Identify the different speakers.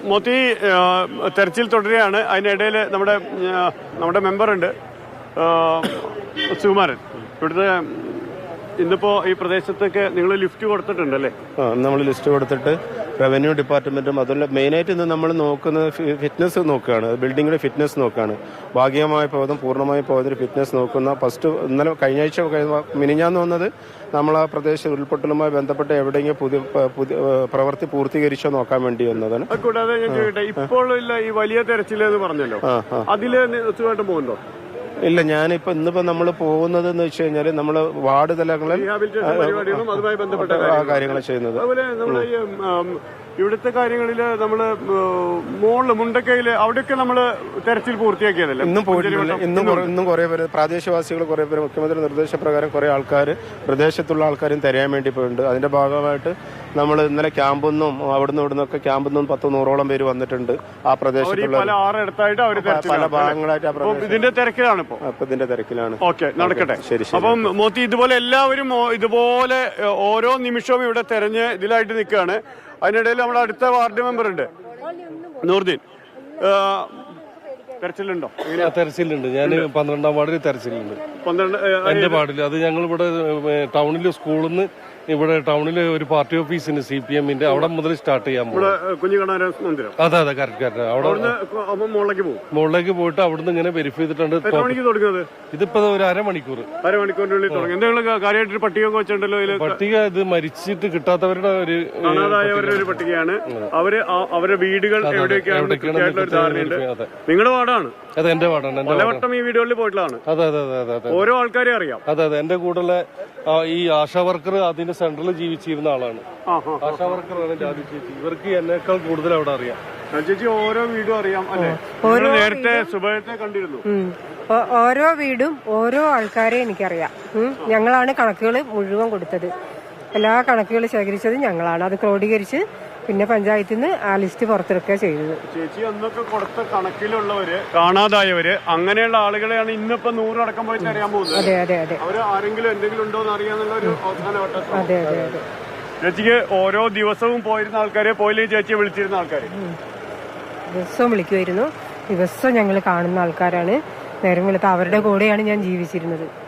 Speaker 1: മോത്തി തെരച്ചിൽ തുടരുകയാണ്. അതിനിടയിൽ നമ്മുടെ മെമ്പറുണ്ട് സുകുമാരൻ. ഇവിടുത്തെ ഇന്നിപ്പോ ഈ പ്രദേശത്തൊക്കെ നിങ്ങൾ ലിഫ്റ്റ് കൊടുത്തിട്ടുണ്ടല്ലേ?
Speaker 2: നമ്മൾ ലിസ്റ്റ് കൊടുത്തിട്ട് റവന്യൂ ഡിപ്പാർട്ട്മെന്റും അതുപോലെ മെയിനായിട്ട് ഇന്ന് നമ്മൾ നോക്കുന്നത് ഫിറ്റ്നസ് നോക്കുകയാണ്. ബിൽഡിങ്ങിന്റെ ഫിറ്റ്നസ് നോക്കുകയാണ്. ഭാഗികമായി പോയതും പൂർണ്ണമായി പോയതിന് ഫിറ്റ്നസ് നോക്കുന്ന ഫസ്റ്റ് ഇന്നലെ കഴിഞ്ഞ ആഴ്ച മിനിഞ്ഞാന്ന് വന്നത് നമ്മൾ ആ പ്രദേശം ഉരുൾപൊട്ടലുമായി ബന്ധപ്പെട്ട് എവിടെയെങ്കിലും പുതിയ പ്രവൃത്തി പൂർത്തീകരിച്ചോ നോക്കാൻ വേണ്ടി വന്നതാണ്.
Speaker 1: കൂടാതെ ഞാൻ ചോദിക്കട്ടെ, ഇപ്പോൾ ഈ വലിയ തെരച്ചിലെന്ന് പറഞ്ഞല്ലോ, അതില് സുഖമായിട്ട് പോകുന്നുണ്ടോ?
Speaker 2: ഇല്ല, ഇന്നിപ്പോ നമ്മൾ പോകുന്നത് എന്ന് വെച്ച് കഴിഞ്ഞാൽ നമ്മള് വാർഡ് തലങ്ങളിൽ കാര്യങ്ങൾ ചെയ്യുന്നത്.
Speaker 1: ഇവിടുത്തെ കാര്യങ്ങളില് നമ്മള് മുണ്ടക്കയില് അവിടെയൊക്കെ നമ്മള് തെരച്ചിൽ പൂർത്തിയാക്കിയതല്ലേ?
Speaker 2: ഇന്നും പോയിട്ടില്ല. ഇന്നും കുറെ പേര് പ്രാദേശികവാസികൾ കുറെ പേര് മുഖ്യമന്ത്രി നിർദ്ദേശപ്രകാരം കുറെ ആൾക്കാർ പ്രദേശത്തുള്ള ആൾക്കാരും തിരയാൻ വേണ്ടി പോയിട്ടുണ്ട്. അതിന്റെ ഭാഗമായിട്ട് നമ്മൾ ഇന്നലെ ക്യാമ്പൊന്നും അവിടുന്ന് ഇവിടുന്നൊക്കെ ക്യാമ്പൊന്നും 100-100ഓളം പേര് വന്നിട്ടുണ്ട്. ആ പ്രദേശത്തുള്ള പല ഭാഗങ്ങളായിട്ട്
Speaker 1: ഇതിന്റെ തിരക്കിലാണ്
Speaker 2: ഇതിന്റെ തിരക്കിലാണ്.
Speaker 1: ഓക്കെ, നടക്കട്ടെ. ശരി. അപ്പം മോത്തി ഇതുപോലെ എല്ലാവരും ഇതുപോലെ ഓരോ നിമിഷവും ഇവിടെ തെരഞ്ഞ് ഇതിലായിട്ട് നിൽക്കുകയാണ്. അതിനിടയിൽ നമ്മുടെ അടുത്ത വാർഡ് മെമ്പർ ഉണ്ട് നൂർദീൻ. തെരച്ചിലുണ്ടോ?
Speaker 3: തെരച്ചിലുണ്ട്. ഞാൻ 12ാം വാർഡിൽ തെരച്ചിലുണ്ട്. എന്റെ വാർഡിൽ അത് ഞങ്ങൾ ഇവിടെ ടൗണിൽ സ്കൂളിൽ നിന്ന് ഇവിടെ ടൗണില് ഒരു പാർട്ടി ഓഫീസിന് CPM-ന്റെ അവിടെ മുതൽ സ്റ്റാർട്ട് ചെയ്യാൻ പോകും. അതെ അതെ, കറക്റ്റ്. അവിടെ മുകളിലേക്ക് പോയിട്ട് അവിടുന്ന് ഇങ്ങനെ വെരിഫൈ ചെയ്തിട്ടുണ്ട്. ഇതിപ്പോ ഒരു അരമണിക്കൂറിനുള്ളിൽ പട്ടിക ഇത് മരിച്ചിട്ട് കിട്ടാത്തവരുടെ ഒരു
Speaker 1: പട്ടികയാണ്. അവരുടെ വീടുകൾ നിങ്ങളുടെ വാർഡാണ്?
Speaker 3: അതെ, എന്റെ വാർഡാണ്.
Speaker 1: പലവട്ടം ഈ വീടുകളിൽ പോയിട്ടുള്ളതാണ്.
Speaker 3: അതെ അതെ അതെ അതെ,
Speaker 1: ഓരോ ആൾക്കാരെ അറിയാം.
Speaker 3: അതെ അതെ, എന്റെ കൂടെ ഈ ആശാ വർക്കർ അതിന്റെ സെന്ററിൽ ജീവിച്ചിരുന്ന ആളാണ്. ആശാ വർക്കറാണ് ജാതി ചേച്ചി. ഇവർക്ക് എന്നേക്കാൾ കൂടുതൽ അവിടെ അറിയാം.
Speaker 1: ചേച്ചി ഓരോ വീടും അറിയാം അല്ലെ? നേരത്തെ സുബൈത്തെ കണ്ടിരുന്നു.
Speaker 4: ഓരോ വീടും ഓരോ ആൾക്കാരെ എനിക്കറിയാം. ഞങ്ങളാണ് കണക്കുകൾ മുഴുവൻ കൊടുത്തത്. എല്ലാ കണക്കുകളും ശേഖരിച്ചത് ഞങ്ങളാണ്. അത് ക്രോഡീകരിച്ച് പിന്നെ പഞ്ചായത്തിൽ നിന്ന് ആ ലിസ്റ്റ് പുറത്തിറക്കുക ചെയ്തത്.
Speaker 1: ചേച്ചി അന്നൊക്കെ കൊടുത്ത കണക്കിലുള്ളവര്, കാണാതായവര്, അങ്ങനെയുള്ള ആളുകളെയാണ് ഇന്നിപ്പോ 100 അടക്കം പോയി അറിയാൻ പോകുന്നത്.
Speaker 4: അതെ അതെ അതെ.
Speaker 1: അവര് ആരെങ്കിലും എന്തെങ്കിലും ഉണ്ടോ എന്ന് അറിയാന്നുള്ള ഒരു അവസാനവട്ടം.
Speaker 4: അതെ അതെ അതെ.
Speaker 1: ചേച്ചിക്ക് ഓരോ ദിവസവും പോയിരുന്ന ആൾക്കാരെ, പോയില്ലെങ്കിൽ ചേച്ചിയെ വിളിച്ചിരുന്ന ആൾക്കാര്
Speaker 4: ദിവസവും വിളിക്കുമായിരുന്നു. ദിവസം ഞങ്ങൾ കാണുന്ന ആൾക്കാരാണ്. നേരം വെളുത്ത അവരുടെ കൂടെയാണ് ഞാൻ ജീവിച്ചിരുന്നത്.